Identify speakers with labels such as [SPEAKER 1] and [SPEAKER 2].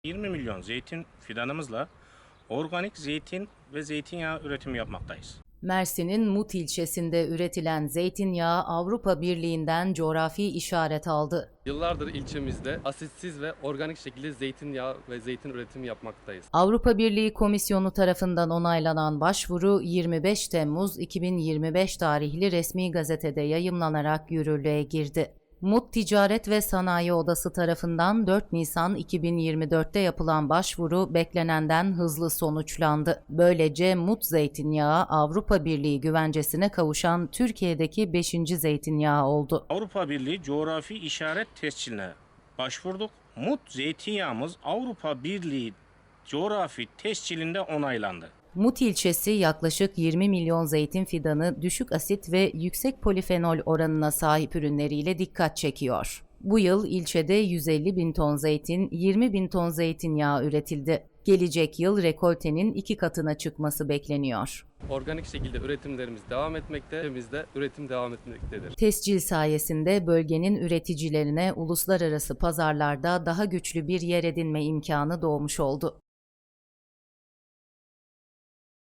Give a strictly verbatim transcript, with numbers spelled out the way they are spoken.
[SPEAKER 1] yirmi milyon zeytin fidanımızla organik zeytin ve zeytinyağı üretimi yapmaktayız.
[SPEAKER 2] Mersin'in Mut ilçesinde üretilen zeytinyağı Avrupa Birliği'nden coğrafi işaret aldı.
[SPEAKER 3] Yıllardır ilçemizde asitsiz ve organik şekilde zeytinyağı ve zeytin üretimi yapmaktayız.
[SPEAKER 2] Avrupa Birliği Komisyonu tarafından onaylanan başvuru yirmi beş Temmuz iki bin yirmi beş tarihli resmi gazetede yayımlanarak yürürlüğe girdi. Mut Ticaret ve Sanayi Odası tarafından dört Nisan iki bin yirmi dört'te yapılan başvuru beklenenden hızlı sonuçlandı. Böylece Mut zeytinyağı Avrupa Birliği güvencesine kavuşan Türkiye'deki beşinci zeytinyağı oldu.
[SPEAKER 1] Avrupa Birliği coğrafi işaret tescilline başvurduk. Mut zeytinyağımız Avrupa Birliği coğrafi tescilinde onaylandı.
[SPEAKER 2] Mut ilçesi yaklaşık yirmi milyon zeytin fidanı düşük asit ve yüksek polifenol oranına sahip ürünleriyle dikkat çekiyor. Bu yıl ilçede yüz elli bin ton zeytin, yirmi bin ton zeytinyağı üretildi. Gelecek yıl rekoltenin iki katına çıkması bekleniyor.
[SPEAKER 3] Organik şekilde üretimlerimiz devam etmekte, ülkemizde üretim devam etmektedir.
[SPEAKER 2] Tescil sayesinde bölgenin üreticilerine uluslararası pazarlarda daha güçlü bir yer edinme imkanı doğmuş oldu.